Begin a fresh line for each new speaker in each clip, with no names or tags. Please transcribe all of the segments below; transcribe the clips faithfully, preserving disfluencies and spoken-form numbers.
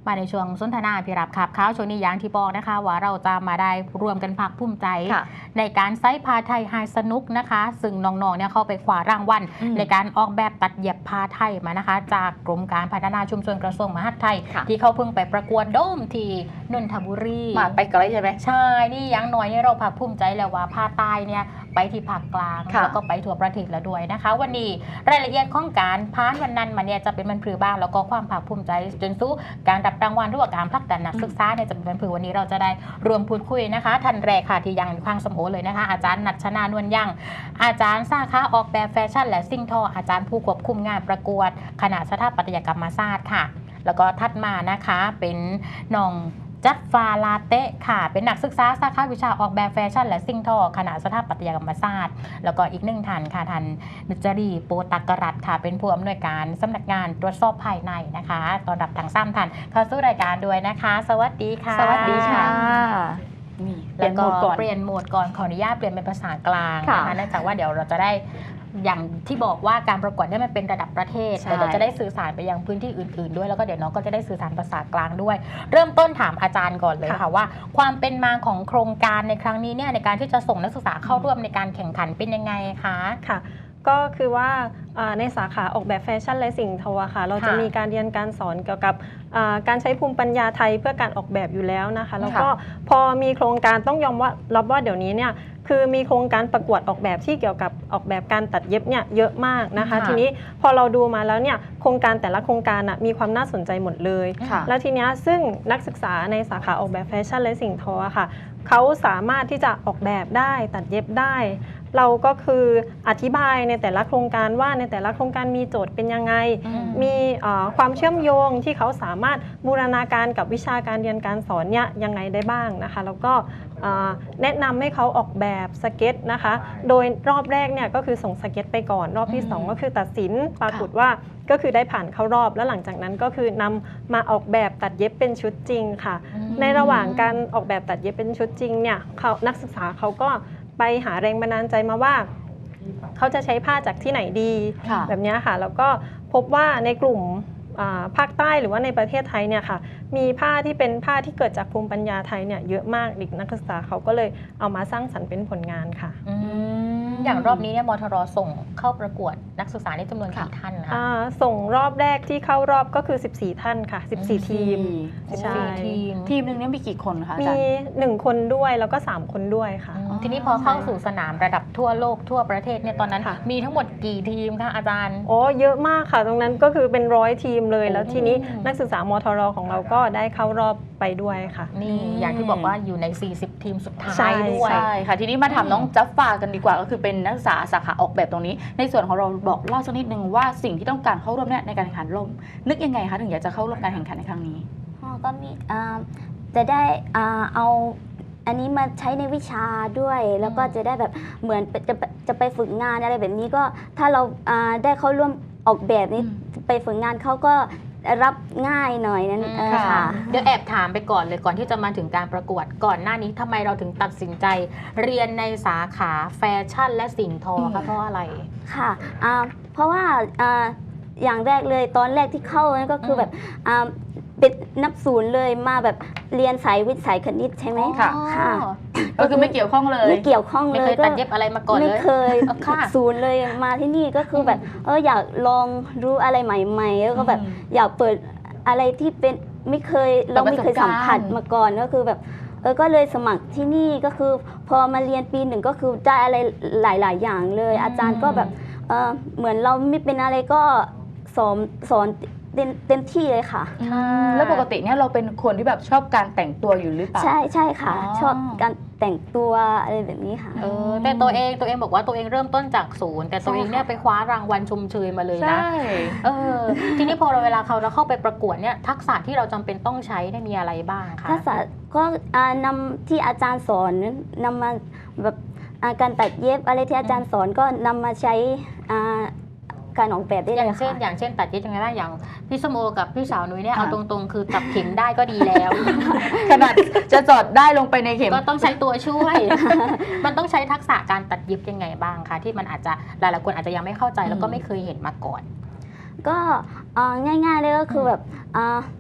มาในช่วงสนทนาพี่รับขับข้าวช่วงนี้อย่างที่บอกนะคะว่าเราจะมาได้รวมกันพักภูมิใจในการไซส์ผ้าไทยไฮสนุกนะคะซึ่งน้องๆเนี่ยเข้าไปคว้ารางวัลในการออกแบบตัดเย็บผ้าไทยมานะคะจากกรมการพัฒนาชุมชนกระทรวงมหาดไทยที่เขาเพิ่งไปประกวดโดมที่นนทบุรี
มาไปไกลใช่ไหม
ใช่นี่ยังน้อยนี่เราพักภูมิใจแล้วว่าผ้าใต้เนี่ยไปที่ภาคกลางแล้วก็ไปทั่วประเทศแล้วด้วยนะคะวันนี้รายละเอียดของการพานวันนั้นมาเนี่ยจะเป็นมันผือบ้างแล้วก็ความภาคภูมิใจจนสู้การรับรางวัลหรือว่าการผลักดันนักศึกษาเนี่ยจะเป็นมันผือวันนี้เราจะได้รวมพูดคุยนะคะท่านแรกค่ะที่ยังคลังสมโอเลยนะคะอาจารย์ณัชนานวลยังอาจารย์สาขาออกแบบแฟชั่นและสิ่งทออาจารย์ผู้ควบคุมงานประกวดคณะสถาปัตยกรรมศาสตร์ค่ะแล้วก็ถัดมานะคะเป็นน้องจัฟฟาลาเตะค่ะเป็นนักศึกษาสาขาวิชาออกแบบแฟชั่นและสิ่งทอคณะสถาปัตยกรรมศาสตร์แล้วก็อีกหนึ่งท่านค่ะท่านนุจรีโปตักรัตค่ะเป็นผู้อำนวยการสำนักงานตรวจสอบภายในนะคะตอนรับทั้งสามท่านเข้าสู่รายการด้วยนะคะสวัสดีค่ะ
สวัสดีค่ะ
นี่แล้วก็เปลี่ยนโหมดก่อนขออนุญาตเปลี่ยนเป็นภาษากลางนะคะเนื่องจากว่าเดี๋ยวเราจะได้อย่างที่บอกว่าการประกวดเนี่ยมันเป็นระดับประเทศแต่เราจะได้สื่อสารไปยังพื้นที่อื่นๆด้วยแล้วก็เดี๋ยวน้องก็จะได้สื่อสารภาษากลางด้วยเริ่มต้นถามอาจารย์ก่อนเลยค่ะว่าความเป็นมาของโครงการในครั้งนี้เนี่ยในการที่จะส่งนักศึกษาเข้าร่วมในการแข่งขันเป็นยังไงคะ
ค่ะก็คือว่าในสาขาออกแบบแฟชั่นและสิ่งทอค่ะเราจะมีการเรียนการสอนเกี่ยวกับการใช้ภูมิปัญญาไทยเพื่อการออกแบบอยู่แล้วนะคะแล้วก็พอมีโครงการต้องยอมว่ารับว่าเดี๋ยวนี้เนี่ยคือมีโครงการประกวดออกแบบที่เกี่ยวกับออกแบบการตัดเย็บเนี่ยเยอะมากนะคะทีนี้พอเราดูมาแล้วเนี่ยโครงการแต่ละโครงการมีความน่าสนใจหมดเลยแล้วทีนี้ซึ่งนักศึกษาในสาขาออกแบบแฟชั่นและสิ่งทอค่ะเขาสามารถที่จะออกแบบได้ตัดเย็บได้เราก็คืออธิบายในแต่ละโครงการว่าในแต่ละโครงการมีโจทย์เป็นยังไงมีความเชื่อมโยงที่เขาสามารถบูรณาการกับวิชาการเรียนการสอนเนี่ยยังไงได้บ้างนะคะแล้วก็แนะนำให้เขาออกแบบสเก็ตนะคะโดยรอบแรกเนี่ยก็คือส่งสเก็ตไปก่อนรอบที่สองก็คือตัดสินปรากฏว่าก็คือได้ผ่านเข้ารอบแล้วหลังจากนั้นก็คือนำมาออกแบบตัดเย็บเป็นชุดจริงค่ะในระหว่างการออกแบบตัดเย็บเป็นชุดจริงเนี่ยเขานักศึกษาเขาก็ไปหาแรงบันดาลใจมาว่าเขาจะใช้ผ้าจากที่ไหนดีแบบนี้ค่ะแล้วก็พบว่าในกลุ่มภาคใต้หรือว่าในประเทศไทยเนี่ยค่ะมีผ้าที่เป็นผ้าที่เกิดจากภูมิปัญญาไทยเนี่ยเยอะมากเด็กนักศึกษาเขาก็เลยเอามาสร้างสรรค์เป็นผลงานค่ะ
อย่างรอบนี้เนี่ยมทรส่งเข้าประกวดนักศึกษาในจำนวนกี่ท่านคะ
ส่งรอบแรกที่เข้ารอบก็คือสิบสี่ท่านค่ะสิบสี่ทีม
ใช่ทีมทีมนึงเนี่ยมีกี่คนคะ
มีหนึ่งคนด้วยแล้วก็สามคนด้วยค่ะ
ทีนี้พอเข้าสู่สนามระดับทั่วโลกทั่วประเทศเนี่ยตอนนั้นมีทั้งหมดกี่ทีมคะอาจารย์
โอ้เยอะมากค่ะตรงนั้นก็คือเป็นร้อยทีมเลยแล้วทีนี้นักศึกษามทรของเราก็ได้เข้ารอบไปด้วยค่ะ
นี่อย่างที่บอกว่าอยู่ในสี่สิบทีมสุดท้ายด้วย
ใช่ค่ะทีนี้มาถามน้องจัฟฟากันดีกว่าก็คือเป็นนักศึกษาสาขาออกแบบตรงนี้ในส่วนของเราบอกเล่าสักนิดนึงว่าสิ่งที่ต้องการเข้าร่วมเนี่ยในการแข่งขันร่วมนึกยังไงคะถึงอยากจะเข้าร่วมการแข่งขันในครั้งนี้
ก็มีจะได้เอาอันนี้มาใช้ในวิชาด้วยแล้วก็จะได้แบบเหมือนจะจะไปฝึกงานอะไรแบบนี้ก็ถ้าเราได้เข้าร่วมออกแบบนี้ไปฝึกงานเขาก็รับง่ายหน่อยนั้นค่ะ
เดี๋ยวแอบถามไปก่อนเลยก่อนที่จะมาถึงการประกวดก่อนหน้านี้ทำไมเราถึงตัดสินใจเรียนในสาขาแฟชั่นและสิ่งทอคะเพราะอะไร
ค่ะเพราะว่าอย่างแรกเลยตอนแรกที่เข้านั่นก็คือแบบเป็นนับศูนย์เลยมาแบบเรียนสายวิทย์สายคณิตใช่ไหม
ค่ะก็คือไม่เกี่ยวข้องเลย
ไม่เกี่ยวข้องเลย
ไม่เคยตัดเย็บอะไรมาก่อนเลย
ไม่เคยศูนย์เลยมาที่นี่ก็คือแบบเอออยากลองรู้อะไรใหม่ๆแล้วก็แบบอยากเปิดอะไรที่เป็นไม่เคยเราไม่เคยสัมผัสมาก่อนก็คือแบบเออก็เลยสมัครที่นี่ก็คือพอมาเรียนปีหนึ่งก็คือได้อะไรหลายๆอย่างเลยอาจารย์ก็แบบเออเหมือนเราไม่เป็นอะไรก็สอนสอนเต็มที่เลยค่ะ
แล้วปกติเนี่ยเราเป็นคนที่แบบชอบการแต่งตัวอยู่หรือเปล่า
ใช่ใช่ค่ะชอบการแต่งตัวอะไรแบบนี้ค่ะ
เออแต่ตัวเองตัวเองบอกว่าตัวเองเริ่มต้นจากศูนย์แต่ตัวเองเนี่ยไปคว้ารางวัลชมเชยมาเลยนะเออทีนี้พอเราเวลาเขาเราเข้าไปประกวดเนี่ยทักษะที่เราจำเป็นต้องใช้ได้มีอะไรบ้างคะ
ทักษะก็นำที่อาจารย์สอนนำมาแบบการตัดเย็บอะไรที่อาจารย์สอนก็นำมาใช้การออกแบบได้เลย
อย่างเช่นอย่างเช่นตัดเย็บยังไงบ้างอย่างพี่สมโอกับพี่สาวนุ้ยเนี่ยเอาตรงๆคือจับเข็มได้ก็ดีแล้ว
ขนาดจะจอดได้ลงไปในเข็ม
ก็ต้องใช้ตัวช่วยมันต้องใช้ทักษะการตัดเย็บยังไงบ้างคะที่มันอาจจะหลายๆคนอาจจะยังไม่เข้าใจแล้วก็ไม่เคยเห็นมาก่อน
ก็ง่ายๆเลยก็คือแบบ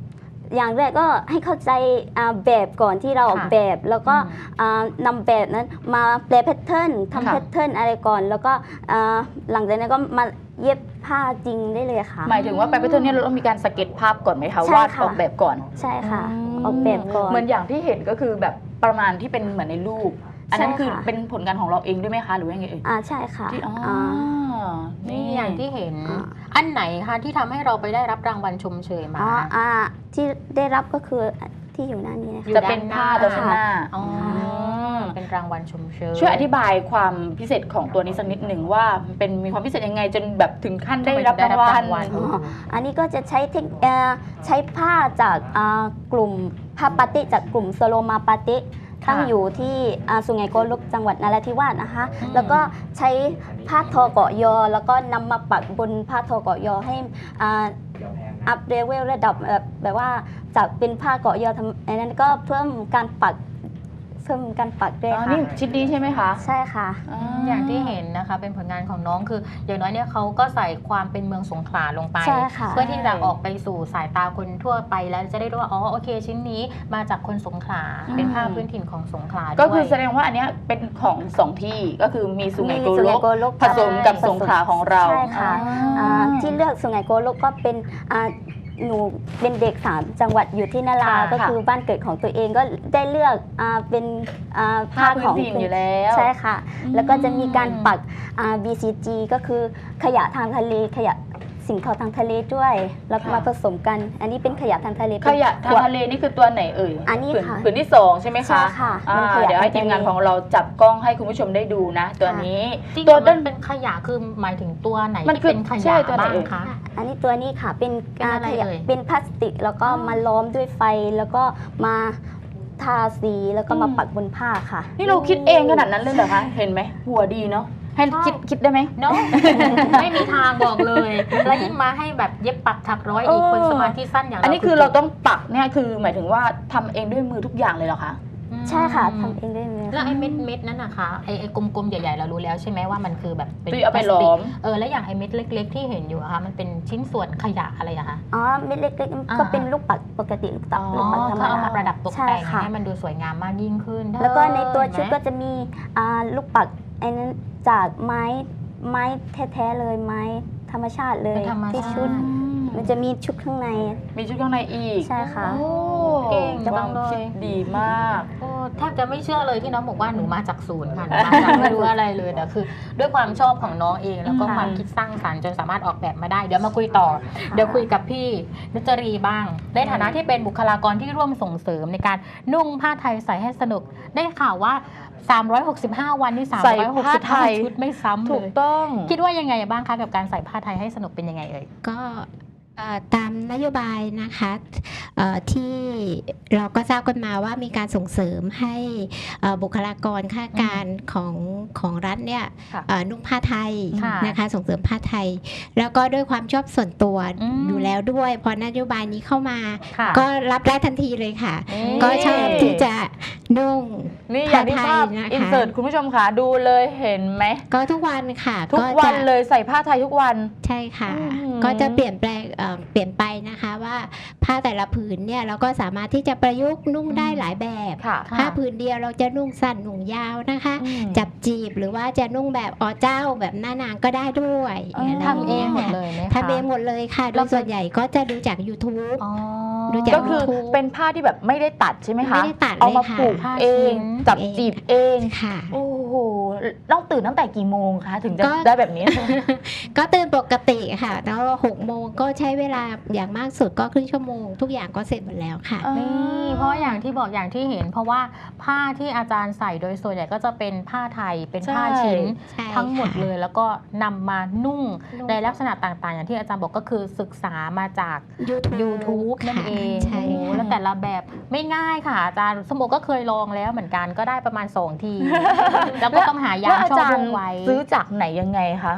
อย่างแรกก็ให้เข้าใจอ่าแบบก่อนที่เราออก
ค่ะ
แบบ แล้วก็
อืม
อ่านำแบบนั้นมาแปลแพทเทิร์นทำ
ค่ะ
แพทเทิร์นอะไรก่อน แล้วก็อ่าหลังจากนั้นก็มาเย็บผ้าจริงได้เลยค่ะ
หมายถึงว่าไปแพทเทิร์นเนี่ยเราต้องมีการสเก็ตภาพก่อนไหมคะ
ใช่
วาด
ค่ะ
ออกแบบก่อน
ใช่ค่ะ
ม
ออกแบบก่อน
เหมือนอย่างที่เห็นก็คือแบบประมาณที่เป็นเหมือนในรูป อันนั้น
ใช่
คือ
ค่ะ
เป็นผลงานของเราเองด้วยไหมคะหรือว่ายังไงเอ่ย
อ่าใช่ค่ะ
ที่อ๋ออ
อ่า
นี่อย่างที่เห็น
อ่า
อันไหนคะที่ทำให้เราไปได้รับรางวัลชมเชยมา
อ๋ออ่าที่ได้รับก็คือที่อยู่หน้านี้นะ
อยู่
คะ
จะเป็นผ้าตัวข้างหน้า
อ๋อ
ม
เป็นรางวัลชมเชย
ช่วยอธิบายความพิเศษของตัวนี้สักนิดหนึ่งว่ามันเป็นมีความพิเศษยังไงจนแบบถึงขั้นได้รับรางวัล
อ๋ออันนี้ก็จะใช้เทคเอ่อใช้ผ้าจากอ่ากลุ่มผ้าปาติจากกลุ่มสโลมาปาติตั้งอยู่ที่อ่าสุไหงโกลกจังหวัดนราธิวาสนะคะ
อืม
แล้วก็ใช้ผ้าทอเกาะยอ แล้วก็นำมาปักบนผ้าทอเกาะยอให้อ่าอัพเลเวลระดับแบบแบบว่าจากเป็นผ้าเกาะยอทำอันนั้นก็เพิ่มการปักเพิ่มการปักด้วย
อ๋อ
ค่ะ
นี่ชิ้นนี้ใช่ไหมคะ
ใช่ค่ะ
อย่างที่เห็นนะคะเป็นผลงานของน้องคือ อย่างน้อยเนี่ยเขาก็ใส่ความเป็นเมืองสงขลาลงไป
ใช่ค่ะ
เพื่อที่จะออกไปสู่สายตาคนทั่วไปแล้วจะได้รู้ว่าอ๋อโอเค ชิ้นนี้มาจากคนสงขลา
อืม
เป็นผ้าพื้นถิ่นของสงขลาด้วย
ก็คือแสดงว่าอันเนี้ยเป็นของสองที่ก็คือมีสุไหงโก
สุ
ล
ไหง
ก
โกลก
ผสมกับสงขลาของเรา
ใช่ค่ะ
อ่า
อ่าที่เลือกสุไหงโกลกก็เป็นอ่าหนูเป็นเด็กสามจังหวัดอยู่ที่นารา
ค่ะ
ก็คือบ้านเกิดของตัวเองก็ได้เลือกอ่าเป็นอ่า
ผ้า
ผ้า
พื้
ข
น
อง
ถิ่นอยู่แล้ว
ใช่ค่ะ
อืม
แล้วก็จะมีการปักอ่า บี ซี จี ก็คือขยะทางทะเลขยะสิ่งของทางทะเลด้วย แล้วก็มาผสมกัน อันนี้เป็นขยะทางทะเล
ขยะทาง
ขวด
ทะเลนี่คือตัวไหนเอ่ย
อันนี้
ผื
ค่ะ
ผืนที่สองใช่ไหม
ใช่
คะ
ค่ะ
อ่า
มันขยะ
เดี๋ยวให้
ทางทะเล
ทีมงานของเราจับกล้องให้คุณผู้ชมได้ดูนะ ตัวนี้
จริง
ตั
ตัว ว
ด้า
นั้น นเป็นขยะคือหมายถึงตัวไหน
มัน
ที่
คือ
เป็นข
ใช่
ยะ
ตัวไหน
บ้าง
เอ่ย
คะ
อันนี้ตัวนี้ค่ะเป็น
เป็นอะไร
ขยะ
เอ่ย
เป็นพลาสติก แล้วก็
อ๋อ
มาล้อมด้วยไฟแล้วก็มาทาสีแล้วก็มา
อืม
ปักบนผ้าค่ะ
นี่เราคิดเองขนาดนั้นเลยเหรอคะ เห็นไหมหัวดีเนาะให้
ใช่
คิดคิดได้ไหม
เนาะ ไม่มีทางบอกเลย แล้วยิ่งมาให้แบบเย็บปักถักร้อยอีก
เออ
คนสมาธิสั้นอย่างเรา
อันนี้คือเราต้องปักเนี่ยคือหมายถึงว่าทำเองด้วยมือทุกอย่างเลยเหรอคะ
อืม
ใช่ค่ะทำเองได้เลย
แล้ว
ค่ะ
ไอ้เม็ดเม็ดๆนั่นนะคะไอ้ไอ้กลมๆใหญ่ๆเรารู้แล้วใช่ไหมว่ามันคือแบบเป็น
ที่เอาไป
พลาสติก
ล้อม
เออแล้วอย่างไอ้เม็ดเล็ก ๆ ที่เห็นอยู่อะคะมันเป็นชิ้นส่วนขยะอะไรอะคะ
อ๋อเม็ดเล็ก
อ่า
ๆก็เป็นลูกปัดปกติลูกตัก
อ๋อ
ลู
อ๋
ก
อ
ปัดธรรม
เขาเอา
ดา
มาประดับตก
ใช่
แต่ง
ค่ะ
ให้มันดูสวยงามมากยิ่งขึ้น
แล้วก็ในตัวชุด
เห็นไหม
ก็จะมีอ่าลูกปัดไอ้นั้นจากไม้ไม้แท้ๆเลยไม้ธรรมชาติเลย
เป็นธรรม
ที่
ชา
ชุด
ติ
มันจะมีชุดข้างใน
มีชุดข้างในอีก
ใช่ค่ะ
โอ้
เก่งจั
ควาง ม
เลย
คิดดีมาก
โอ้แทบจะไม่เชื่อเลยที่น้องบอกว่าหนูมาจากศูนย์ค่ะหนูมาจากไม่รู้อะไรเลยแต่คือ ด้วยความชอบของน้องเองแล้วก็
ค่ะ
ความคิดสร้างสรรค์จนสามารถออกแบบมาได้เดี๋ยวมาคุยต่อ เดี๋ยวคุยกับพี่นุจรีบ้าง ในฐานะที่เป็นบุคลากรที่ร่วมส่งเสริมในการนุ่งผ้าไทยใส่ให้สนุก ได้ข่าวว่า สามร้อยหกสิบห้า วันนี่
ใส่ผ้าไทย
ชุดไม่ซ้ำเล
ถูก
ย
ต้อง
คิดว่ายังไงบ้างคะกับการใส่ผ้าไทยให้สนุกเป็นยังไงเอ่ย
ก็เอ่อตามนโยบายนะคะเอ่อที่เราก็ทราบกันมาว่ามีการส่งเสริมให้เอ่อบุคลากรข้าราชการของของรัฐเนี่ย
ค่ะ
เอ่อนุ่งผ้าไทย
ค่ะ
นะคะส่งเสริมผ้าไทย แล้วก็ด้วยความชอบส่วนตัว
อืม
อยู่แล้วด้วยพอนโยบายนี้เข้ามา
ค่ะ
ก็รับได้ทันทีเลยค่ะ
นี่
ก็ชอบที่จะนุ่ง
นี่อย่างที่ภาพ
ผ้าไทยนะคะ
อินเสิร์ตคุณผู้ชมค่ะดูเลยเห็นไหม
ก็ทุกวันค่ะ
ทุก
จะ
วันเลยใส่ผ้าไทยทุกวัน
ใช่ค่ะ
อืม
ก็จะเปลี่ยนแปลงเอ่อเปลี่ยนไปนะคะว่าผ้าแต่ละผืนเนี่ยเราก็สามารถที่จะประยุกต์นุ่งได้หลายแบบ
ค่ะ
ค่ะ
ผ้าผืนเดียวเราจะนุ่งสั้นนุ่งยาวนะคะ
อืม
จับจีบหรือว่าจะนุ่งแบบอ๋อเจ้าแบบหน้านางก็ได้ด้วย
อ๋อ
อะไร
ทำเองหมด
ย
เลยไหมคะ
ทำเองหมดเลยค่ะ โด
แล้ว
ยส่วนใหญ่ก็จะดูจาก YouTube
อ๋อ
ดูจาก
ก็คือเป็นผ้าที่แบบไม่ได้ตัดใช่ไหมคะ
ไม่ได้ตัด
เอามา
เลยค่ะ
ผูก
ผ้า
เอง
ชิ้น
จับจีบเอง
ค่ะ
โอ้โหต้องตื่นตั้งแต่กี่โมงคะถึงจะ
ก็
ได้แบบนี้
ก็ตื่นปกติค่ะ แล้วหกโมงก็ใช้เวลาอย่างมากสุดก็ครึ่งชั่วโมง ทุกอย่างก็เสร็จหมดแล้วค่ะ
นี่เพราะอย่างที่บอกอย่างที่เห็น เพราะว่าผ้าที่อาจารย์ใส่โดยส่วนใหญ่ก็จะเป็นผ้าไทยเป็นผ้า
ใช่
ชิ้น
ใช่
ทั้งหมด
ค่ะ
เลยแล้วก็นำมานุ่งในลักษณะต่างๆ อย่างที่อาจารย์บอกก็คือศึกษามาจาก
YouTube
YouTube นั่นเอง
ใช่
โอ้โห
ค่ะ
แล้วแต่ละแบบไม่ง่ายค่ะอาจารย์สมโอก็เคยลองแล้วเหมือนกันก็ได้ประมาณสองที แล้วก็ต้องหายาม
แล้วอา
ชอบ
จาร
ว
ย์
งไว้
ซื้อจากไหนยังไงคะ
เอ่อ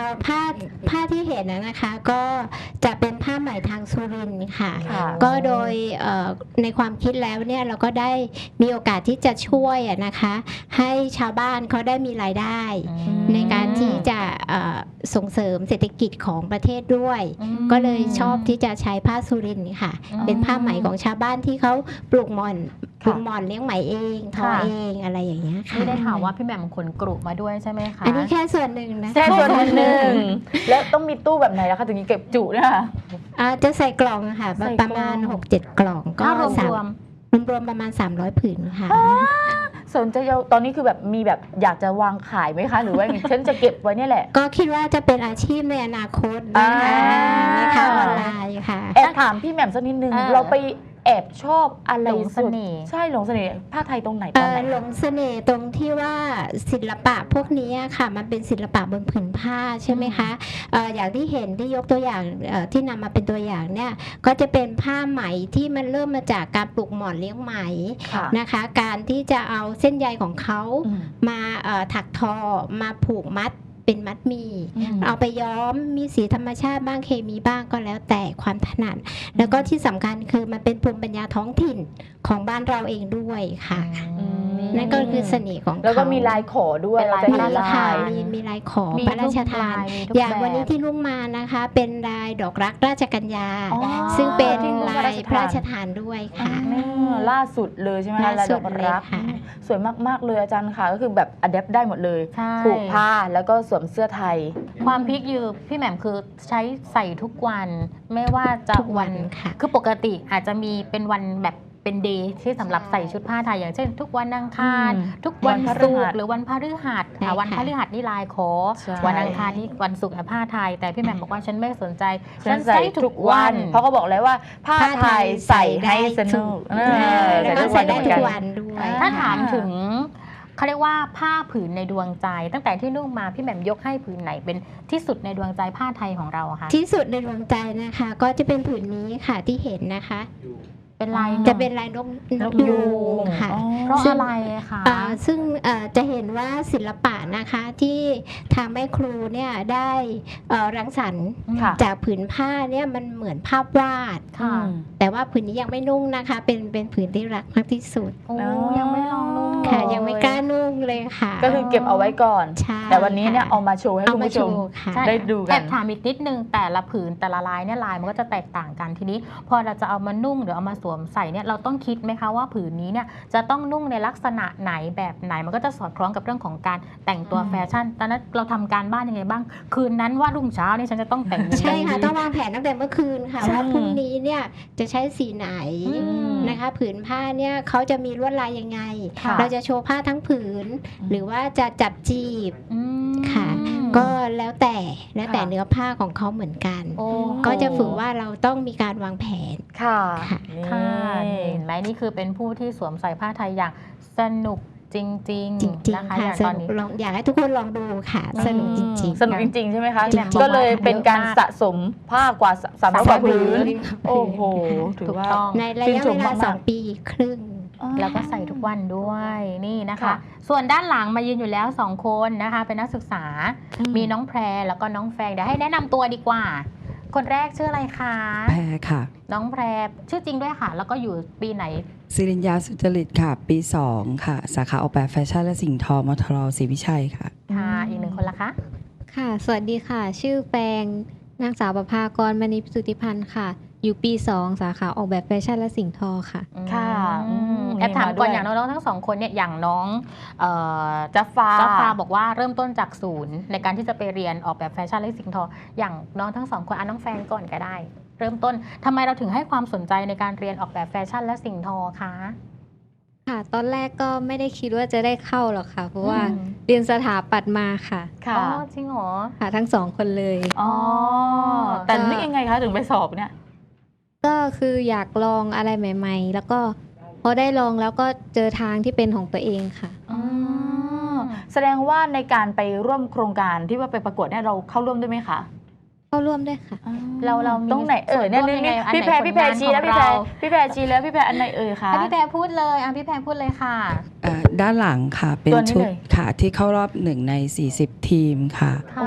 อผ้าผ้าที่เห็นนะนะคะ ก็จะเป็นผ้าไหมทางสุรินทร์ค่ะ
ค่ะ
ก็โดยเอ่อในความคิดแล้วเนี่ยเราก็ได้มีโอกาสที่จะช่วยอะนะคะ ให้ชาวบ้านเขาได้มีรายได้ ในการที่จะเอ่อส่งเสริมเศรษฐกิจของประเทศด้วย
อืม
ก็เลยชอบที่จะใช้ผ้าสุรินทร์ค่ะ
อืม
เป็นผ้าไหมของชาวบ้านที่เขาปลูกหม่อนปลูกหม่อนเลี้ยงไหมเองทอ
ค่ะ
เองอะไรอย่างเงี้ยค่ะ
นี่ได้ข่าวว่าพี่แหม่มขนกรุมาด้วยใช่ไหมคะ
อันนี้แค่ส่วนหนึ่งนะคะ
แค่ส่วนหนึ่งแล้วต้องมีตู้แบบไหนล่ะคะถึงจะเก็บจุเนี่ยค่ะ
อ่าจะใส่กล่องค่ะ
ใส่กล่อง
ประมาณ หกเจ็ด กล่องก็
ถ้ารวม
สาม
รวม
รวมๆประมาณ สามร้อย ผืนค่ะ
สนใจจะตอนนี้คือแบบมีแบบอยากจะวางขายไหมคะ หรือว่าอย่างฉันจะเก็บไว้เนี่ยแหละ
ก็คิดว่าจะเป็นอาชีพในอนาคตนะคะ
อ่า
ในข่าวออนไลน์ค่ะ
แอบถามพี่แหม่มสักนิดนึง
เออ
เราไปแอบชอบอะไร
หลงเสน่ห์
สุดใช่หลงเสน่ห์ผ้าไทยตรงไหนต
เอ่
อน
อ
ไหน
หลงเสน่ห์ตรงที่ว่าศิลปะพวกนี้ค่ะ มันเป็นศิลปะบนผืนผ้าใช่ไหมคะเอ่ออย่างที่เห็นที่ยกตัวอย่างเอ่อที่นำมาเป็นตัวอย่างเนี่ยก็จะเป็นผ้าไหมที่มันเริ่มมาจากการปลูกหมอนเลี้ยงไหม
ค่ะ
นะคะ การที่จะเอาเส้นใยของเขา
อืม
มาเอ่อถักทอมาผูกมัดเป็นมัดหมี
อืม
เอาไปย้อมมีสีธรรมชาติบ้างเคมีบ้างก็แล้วแต่ความถนัดแล้วก็ที่สำคัญคือมันเป็นภูมิปัญญาท้องถิ่นของบ้านเราเองด้วยค่ะ
อืม
นั่นก็คือเสน่ห์ของเขา
แล้วก็มีลายขอด้วย
เป็นลาย
เร
มี
จะเห็น
ลา
ลาย ย
มีมีลายขอ
มี
พระราชทาน
ทุกลายมีทุก
อย่าง
แบบ
วันนี้ที่ลุงมานะคะ เป็นลายดอกรักราชกัญญา
อ๋อ
ซึ่งเป็น
ที่
ลายพระราชทานด้วยค่ะ
อ่าล่าสุดเลยใช่ไหมคะ
ล่าสุด
ลายดอก
เลย
รัก
ค่ะ
สวยมากๆเลยอาจารย์ค่ะ ก็คือแบบอัดแอปได้หมดเลย
ใช่
ผูกผ้าแล้วก็สวมเสื้อไทย
ความพีคอยู่พี่แหม่มคือใช้ใส่ทุกวัน ไม่ว่าจะ
ทุกวันค่ะ
คือปกติอาจจะมีเป็นวันแบบเป็นเดย์ที่สำหรับใส่ชุดผ้าไทยอย่างเช่น ทุกวันอังคาร
อืม
ทุกวัน
วันพฤ
ศุ
หั
ก
ส
ร์หรือวันพฤหัส
ใช่
อ่ะวัน
ค่ะ
พฤหัสนี่ลายขอ
ใช่
วันอังคารนี่วันศุกร์อ่ะผ้าไทย แต่พี่แหม่มบอกว่าฉันไม่สนใจ
ฉันใส่ทุกวัน เพราะเขาบอกแล้วว่าผ้าไทยใส่ให้สนุกเออ
แล้วก็
ใส่
ใส่
ทุก
ได้
วัน
ทุ
เหมือนกัน
กวันด้วย
ถ้า
อ่
ถามถึงเขาเรียกว่าผ้าผืนในดวงใจ ตั้งแต่ที่นุ่งมาพี่แหม่มยกให้ผืนไหนเป็นที่สุดในดวงใจผ้าไทยของเราอะคะ
ที่สุดในดวงใจนะคะ ก็จะเป็นผืนนี้ค่ะที่เห็นนะคะ
เป็นลาย
จะเป็นลายนกนกยูงค่ะ
อ๋อ
เพราะ
ซึ่ง
อะไรคะ
อ่าซึ่งเอ่อจะเห็นว่าศิลปะนะคะที่ทางแม่ครูเนี่ยได้เอ่อรังสรรค์
ค่ะ
จากผืนผ้าเนี่ยมันเหมือนภาพวาด
ค่ะ
แต่ว่าผืนนี้ยังไม่นุ่งนะคะ เป็นเป็นผืนที่รักมากที่สุด
โอ้
อ๋อ
ยังไม่ลองนุ่ง
ค่ะ
เล
ยังไม่กล้านุ่งเลยค่ะ
ก็คือเก็บเอาไว้ก่อน
ใช่
แต่วันนี้เนี่ย
ค่ะ
เอามาโชว์ให้
เอา
คุณ
มา
ผู้
โช
ชม
ว์ค่ะ
ใช่
ได้ดูกัน
แอบถามอีกนิดนึงแต่ละผืนแต่ละลายเนี่ยลายมันก็จะแตกต่างกันทีนี้ พอเราจะเอามานุ่งหรือเอามาสวมใส่เนี่ยเราต้องคิดไหมคะว่าผืนนี้เนี่ยจะต้องนุ่งในลักษณะไหนแบบไหนมันก็จะสอดคล้องกับเรื่องของการแต่งตัว
อืม
แฟชั่นตอนนั้นเราทำการบ้านยังไงบ้าง คืนนั้นว่ารุ่งเช้านี่ฉันจะต้องแต่งยังไง
ใช่ค่ะ
ดี
ต้องวางแผนตั้งแต่เมื่อคืนค่ะ
ใช่
ว่าพรุ่งนี้เนี่ยจะใช้สีไหน
อืม
นะคะ ผืนผ้าเนี่ยเขาจะมีลวดลายยังไง
ค่ะ
เราจะโชว์ผ้าทั้งผืน หรือว่าจะจับจีบ
อืม
ค่ะ ก็แล้วแต่แล้วแต่
ค่ะ
เนื้อผ้าของเขาเหมือนกัน
โอ้
ก็จะฝึกว่าเราต้องมีการวางแผน
ค่ะ
ค่ะ
นี่
ค่ะเห็นไหมนี่คือเป็นผู้ที่สวมใส่ผ้าไทยอย่างสนุกจริง
จริง
ๆนะคะ
ๆ
อ
ค่ะ
ย่าง
ส
ตอน
นุก
นี้
ลองอยากให้ทุกคนลองดูค่ะ
อืม
สนุกจริงๆ
สนุกจริงๆใช่ไหมคะ
จริงๆ
ก็เลยเป็นการ
เยอะมาก
สะสมผ้ากว่าสามร้อยกว่าผืน โอ้โห ถือ
ถูก
ว่า
ต้อง
ในระยะ
ชื่นช
เว
ม
ลาม
ากๆ
สองปีครึ่ง
แล้วก็ใส่ทุกวันด้วยนี่นะคะ
ค่ะ
ส่วนด้านหลังมายืนอยู่แล้วสองคนนะคะ เป็นนักศึกษา มีน้องแพรแล้วก็น้องแฟงเดี๋ยวให้แนะนำตัวดีกว่า คนแรกชื่ออะไรคะ
แพรค่ะ
น้องแพรชื่อจริงด้วยค่ะ แล้วก็อยู่ปีไหน
สิริญญาสุจริตค่ะ ปี สอง ค่ะ สาขาออกแบบแฟชั่นและสิ่งทอมทรศรีวิชัยค่ะ
ค่ะ อีกหนึ่งคนละคะ
ค่ะ สวัสดีค่ะ ชื่อแปงนางสาวประภากรมณีพิสุทธิพันธ์ค่ะ อยู่ปี สอง สาขาออกแบบแฟชั่นและสิ่งทอค่ะ
ค่ะ
อืม
อืม
แอบถามก่อน
มีมาด้วย
อย่างน้องๆทั้งสองคนเนี่ยอย่างน้องเอ่อ
จัฟฟ้า
จ้าฟ้าบอกว่าเริ่มต้นจากศูนย์ในการที่จะไปเรียนออกแบบแฟชั่นและสิ่งทอ อย่างน้องทั้งสองคนอ่ะน้องแฟนก่อนก็ได้ เริ่มต้นทำไมเราถึงให้ความสนใจในการเรียนออกแบบแฟชั่นและสิ่งทอคะ
ค่ะ ตอนแรกก็ไม่ได้คิดว่าจะได้เข้าหรอกค่ะ เพราะว่า
อืม
เรียนสถาปัตย์มาค่ะ
ค่ะ
อ๋อจริงเหรอ
ค่ะ ทั้งสองคนเลย
อ๋อ แต่นึกยังไงคะถึงไปสอบเนี่ย
ก็คืออยากลองอะไรใหม่ ๆ แล้วก็พอได้ลองแล้วก็เจอทางที่เป็นของตัวเองค่ะ
อ๋อ แสดงว่าในการไปร่วมโครงการที่ว่าไปประกวดเนี่ยเราเข้าร่วมด้วยไหมคะ
เข้าร่วมด้วยค่ะ
เราเรามี
ตรงไหนเอ่ยเนี่ย
ส่วนร่วมยังไง
นี่
อันไหน
พี่แพรพี่แพร
ผลงาน
ชี้แล้ว
ของ
พี่แพร
เรา
พี่แพรชี้แล้วพี่แพรอันไหนเอ่ยคะ
ให้พี่แพรพูดเลยอ่ะพี่แพรพูดเลยค่ะ
เอ่อด้านหลังค่ะ เป็น
ตัวนี้
ชุด
เลย
ค่ะที่เข้ารอบหนึ่งใน สี่สิบ ทีมค่ะ
ค่ะ
โอ้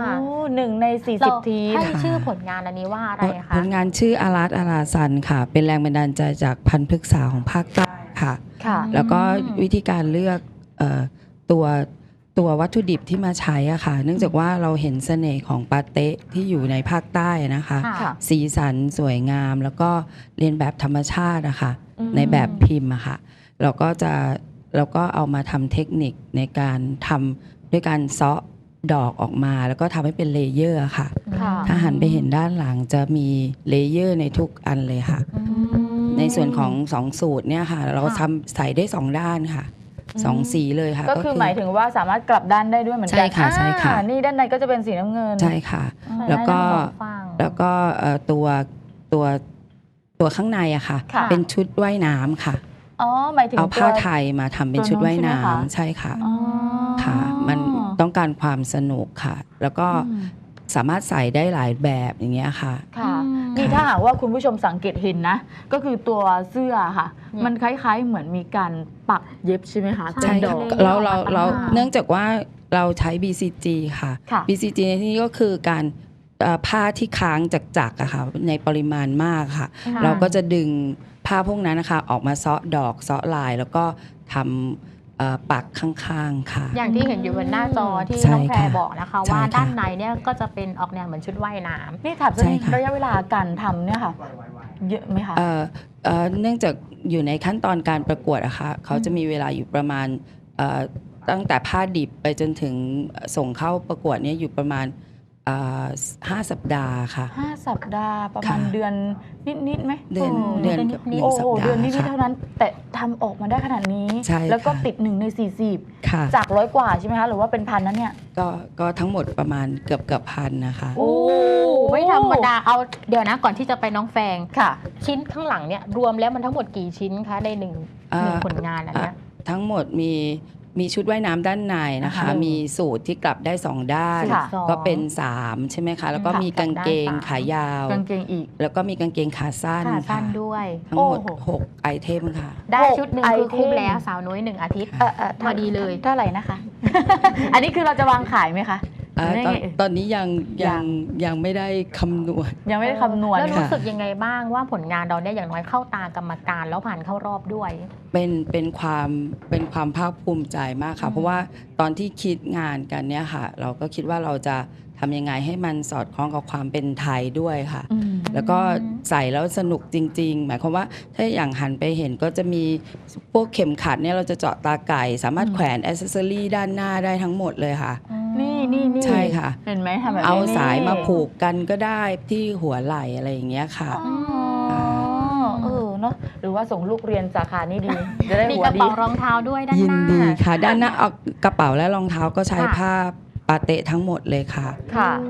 หนึ่งในสี่
เรา
สิบทีม
ให้ชื่อผลงานอันนี้ว่าอะไร
ผ
คะ
ลงานชื่ออาราตอาราซันค่ะ เป็นแรงบันดาลใจจากพันธุ์พฤกษาของภาคใต้ค่ะ
ค่ะ
แล้วก็วิธีการเลือกเอ่อตัวตัววัตถุดิบที่มาใช้อะค่ะ เนื่องจากว่าเราเห็นเสน่ห์ของปาเต๊ะที่อยู่ในภาคใต้นะคะ
ค่ะ
สีสันสวยงาม แล้วก็เรียนแบบธรรมชาติอะค่ะ
อืม
ในแบบพิมพ์อะค่ะเราก็จะเราก็เอามาทำเทคนิคในการทำด้วยการเซาะดอกออกมา แล้วก็ทำให้เป็นเลเยอร์อะค่ะ
ค่ะ
ถ้าหันไปเห็นด้านหลังจะมีเลเยอร์ในทุกอันเลยค่ะ
อืม
ในส่วนของสองสูตรเนี่ยค่ะ เรา
ค่ะ
ทำใส่ได้สองด้านค่ะสองสีเลยค่ะ
ก็คือหมายถึงว่าสามารถกลับด้านได้ด้วยเหมือนกั
ใช่ค่ะใช่ค่ะ
อ่านี่ด้านในก็จะเป็นสีน้ำเงิน
ใช่ค่ะ
อืม
แล้วก็
ได้ทั้งสองฝั่ง
แล้วก็เอ่อตัวตัวตัวข้างในอะค่ะ
ค่ะ
เป็นชุดว่ายน้ำค่ะ
อ๋อหมายถึง
เอาผ้า
ตัว
ไทยมาทำเป็น
ตัว
ชุดว่าย
นู้น
น้
ใช่ไหมคะ
ำใช่ค่ะ
อ๋อ
ค่ะ มันต้องการความสนุกค่ะ แล้วก็
อืม
สามารถใส่ได้หลายแบบอย่างเงี้ยค่ะ
ค่ะ
อืม
นี่ถ้าหากว่าคุณผู้ชมสังเกตเห็นนะ ก็คือตัวเสื้อค่ะ
เนี่ย
มันคล้ายๆเหมือนมีการปักเย็บใช่ไหมคะ
ใช่
เป็นด
ค่ะ
อก
เราเราเรา
ต่างๆ
เนื่องจากว่าเราใช้ บี ซี จี ค่ะ
ค่ะ
บี ซี จี ในที่นี้ก็คือการเอ่อผ้าที่ค้างจากจักรอะค่ะในปริมาณมากค่ะ
ค่ะ
เราก็จะดึงผ้าพวกนั้นนะคะออกมาเซาะดอกเซาะลาย แล้วก็ทำเอ่อปักข้างๆค่ะ
อย่างที่เห็นอยู่บนหน้าจอที่
ใช่
น้องแพร
ค่ะ
บอกนะคะ
ใช่
ว่า
ค่ะ
ด้านในเนี่ยก็จะเป็นออกแนวเหมือนชุดว่ายน้ำ
นี่ถามสัก
ใช่
นิด
ค่ะ
ระยะเวลาการทำเนี่ยค่ะ เยอะไหมคะ
เอ่อเอ่อเนื่องจากอยู่ในขั้นตอนการประกวดอะค่ะเขาจะมีเวลาอยู่ประมาณเอ่อตั้งแต่ผ้าดิบไปจนถึงส่งเข้าประกวดเนี่ยอยู่ประมาณเอ่อห้าสัปดาห์ค่ะ
ห้าสัปดาห์ประมาณ
ค่ะ
เดือนนิดๆไหม
เดือน
โ
เดือน
นิดๆ
กับหนึ่
โอ้
งสั
โห
ปดา
เดือน
ห์
นิดๆ
ค่ะ
เท่านั้น แต่ทำออกมาได้ขนาดนี้
ใช่
แล้วก็
ค่ะ
ติดหนึ่งในสี่สิบ
ค่ะ
จากร้อยกว่าใช่ไหมคะหรือว่าเป็นพันนั้นเนี่ย
ก็ก็ทั้งหมดประมาณเกือบเกือบพันนะคะ
โอ้
ไม่ธรรมดาเอาเดี๋ยวนะก่อนที่จะไปน้องแฟง
ค่ะ
ชิ้นข้างหลังเนี่ยรวมแล้วมันทั้งหมดกี่ชิ้นคะในหนึ่ง
เอ่อ
หนึ่งผลงานอันเนี้ย
ทั้งหมดมีมีชุดว่ายน้ำด้านในนะคะ
อ่าฮะ
มีสูตรที่กลับได้สองด้าน
ค่ะ
ก็เป็นสามใช่ไหมคะ แล้วก็
ค่ะ
มีกางเกง
กลับด้านสาม
ขายาว
กางเกงอีก
แล้วก็มีกางเกงขาสั้น
ขาสั้น
ค่ะ
ด้วย
ทั้งหมด
โอ้โห
หกไอเทมค่ะ
ได้
หก
ชุดหนึ่ง
ไอ
คือคุ้ม
เทม
แล้วสาวน้อยหนึ่งอาทิตย์
เออเออ
พอดีเลย
เท่าไหร่นะคะ อันนี้คือเราจะวางขายไหมคะ
เอ่อ
หรือ
ตอน
ไงเอ่ย
ตอนนี้ยัง
ยั
ยัง งยังไม่ได้คำนวณ
ยังไม่ได้คำนวณ
แล้วรู้
ค่ะ
สึกยังไงบ้างว่าผลงานเราเนี่ยอย่างน้อยเข้าตากรรมการแล้วผ่านเข้ารอบด้วย
เป็นเป็นความเป็นความภาคภูมิใจมากค่ะ เพราะว่าตอนที่คิดงานกันเนี่ยค่ะ เราก็คิดว่าเราจะทำยังไงให้มันสอดคล้องกับความเป็นไทยด้วยค่ะ
อืม
แล้วก็ใส่แล้วสนุกจริง ๆ หมายความว่าถ้าอย่างหันไปเห็นก็จะมีพวกเข็มขัดเนี่ยเราจะเจาะตาไก่ สามารถ
อืม
แขวนแอ c เซสซอรี่ด้านหน้าได้ทั้งหมดเลยค่ะ
นี่นี่นี่
ใช่ค่ะ
เห็นไหมทำแบบนี้
เอาสาย
นี่
มาผูกกันก็ได้ที่หัวไหล่อะไรอย่างเงี้ยค่ะ
อ๋อเออเนาะหรือว่าส่งลูกเรียนสาขานี้ดี จะได้
มี
หัว
กระ
ดี
เป๋ารองเท้าด้วยด้าน
ยิ
ห
น
น้า
ดีค่ะ ด้านหน้าเอากระเป๋าและรองเท้าก็ใช้
ค่ะ
ผ้าปาเตะทั้งหมดเลยค่ะ
ค่ะ
โอ้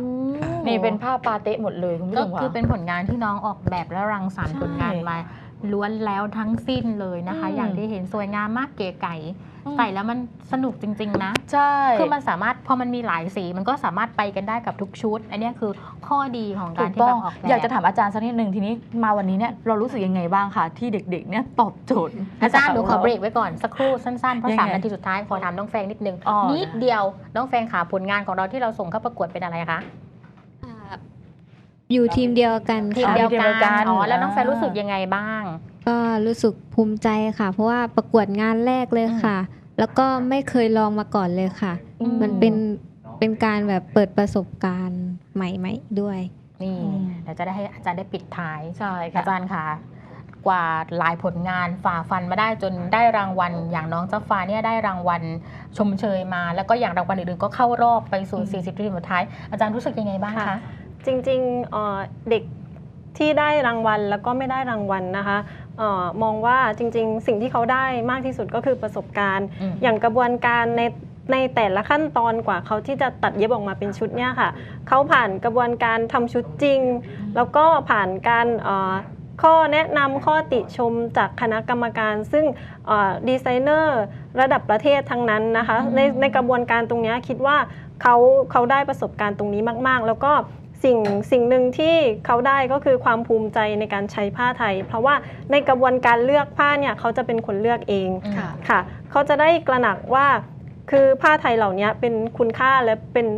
นี่เป็นผ้าปาเตะหมดเลยคุณผู้
ก็
ชม
คือ
ค่ะ
เป็นผลงานที่น้องออกแบบและรังสรรค์
ใช่
ผลงานมาล้วนแล้วทั้งสิ้นเลยนะคะ
อืม
อย่างที่เห็นสวยงามมากเก๋ไก๋
อืม
ใส่แล้วมันสนุกจริง ๆ นะ
ใช่
คือมันสามารถพอมันมีหลายสีมันก็สามารถไปกันได้กับทุกชุด อันเนี้ยคือข้อดีของ
ถู
การ
ก
ที่
ต้
แบ
อง
บออกแบบ
อยากจะถามอาจารย์สักนิดหนึ่งทีนี้มาวันนี้เนี่ยเรารู้สึกยังไงบ้างคะที่เด็กๆเนี่ยตอบโจทย์
อาจารย์หนูขอเบรกไว้ก่อนสักครู่สั้นๆ เพราะ
ยังไง
สามนาทีสุดท้ายขอถามน้องแฟงนิดนึง
อ๋อ
นิดเดียวน้องแฟงค่ะผลงานของเราที่เราส่งเข้าประกวดเป็นอะไรคะ
อ่าอยู่ทีมเดียวกัน
ทีม
ค่ะ
เดียว
ทีมเดียวกั
กัน
น
อ๋อแล้วน้องแฟง
อ่า
รู้สึกยังไงบ้าง
ก็รู้สึกภูมิใจค่ะ เพราะว่าประกวดงานแรกเลยค่ะ แล้วก็ไม่เคยลองมาก่อนเลยค่ะ
อืม
มันเป็นเป็นการแบบเปิดประสบการณ์ใหม่ๆด้วย
นี่
อืม
เดี๋ยวจะได้ให้อาจารย์ได้ปิดท้าย
ใช่ค่ะ
อาจารย์ค่ะ กว่าหลายผลงานฝ่าฟันมาได้จนได้รางวัล อย่างน้องเจ้าฟ้าเนี่ยได้รางวัลชมเชยมา แล้วก็อย่างรางวัลอื่นๆก็เข้ารอบไปสู่
อืม
สี่สิบทีมสุดท้าย อาจารย์รู้สึกยังไงบ้างคะ
ค่ะ จริงๆเอ่อเด็กที่ได้รางวัลแล้วก็ไม่ได้รางวัลนะคะเออมองว่าจริงๆ สิ่งที่เขาได้มากที่สุดก็คือประสบการณ์
อืม
อย่างกระบวนการในในแต่ละขั้นตอนกว่าเขาที่จะตัดเย็บออกมาเป็นชุดเนี่ยค่ะเขาผ่านกระบวนการทำชุดจริง แล้วก็ผ่านการเอ่อข้อแนะนำข้อติชมจากคณะกรรมการ ซึ่งเอ่อดีไซเนอร์ระดับประเทศทั้งนั้นนะคะในในกระบวนการตรงเนี้ยคิดว่าเขาเขาได้ประสบการณ์ตรงนี้มากๆ แล้วก็สิ่งสิ่งหนึ่งที่เขาได้ก็คือความภูมิใจในการใช้ผ้าไทย เพราะว่าในกระบวนการเลือกผ้าเนี่ยเขาจะเป็นคนเลือกเอง
อืม
ค่ะ
ค่ะเขาจะได้กระหนักว่าคือผ้าไทยเหล่านี้เป็นคุณค่าและเป็น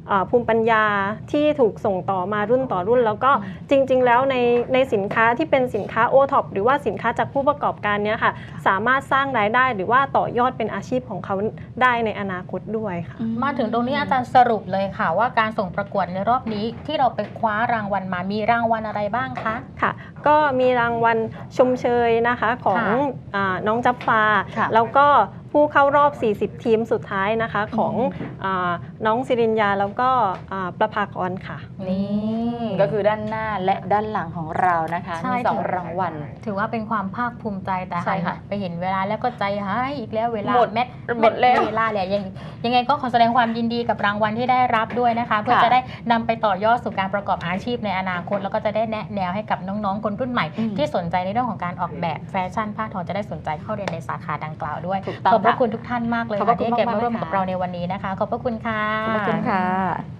เอ่อภูมิปัญญาที่ถูกส่งต่อมารุ่นต่อรุ่น แล้วก็จริงๆแล้วในในสินค้าที่เป็นสินค้า โอ ท็อป หรือว่าสินค้าจากผู้ประกอบการเนี้ยค่ะสามารถสร้างรายได้หรือว่าต่อยอดเป็นอาชีพของเขาได้ในอนาคตด้วยค่ะ
มาถึงตรงนี้อาจารย์สรุปเลยค่ะว่าการส่งประกวดในรอบนี้ที่เราไปคว้ารางวัลมามีรางวัลอะไรบ้างคะ
ค่ะก็มีรางวัลชมเชยนะคะของ
ค่ะ
อาน้องจับฟ้า
ค่ะ
แล้วก็ผู้เข้ารอบ สี่สิบ ทีมสุดท้ายนะคะของอาน้องสิริญญาแล้วก็อ่าประภากรค่ะ
นี่
ก็คือด้านหน้าและด้านหลังของเรานะคะ
ใช่
มีสองรางวัล
ถือว่าเป็นความภาคภูมิใจแต่
ใช่ค่ะ
ไปเห็นเวลาแล้วก็ใจหายอีกแล้วเวลา
หมด
แม็ด
หมดแล้ว
เวลาเลยยังยังไงก็ขอแสดงความยินดีกับรางวัลที่ได้รับด้วยนะคะ เพื่อ
ค่ะ
จะได้นำไปต่อยอดสู่การประกอบอาชีพในอนาคต แล้วก็จะได้แนะแนวให้กับน้องๆคนรุ่นใหม่
อืม
ที่สนใจในเรื่องของการออกแบบแฟชั่นผ้าทอจะได้สนใจเข้าเรียนในสาขาดังกล่าวด้วย
ถูกต้อง
ขอบพระ
ค่ะ
คุณทุกท่านมากเลย
ขอบพ
ค่ะ
ระคุณ
ที่ให้เก็บ
มากๆ
มาร่วม
เลยค่ะ
กับเราในวันนี้นะคะ ขอบพระคุณค่ะ
ขอบคุณค่ะ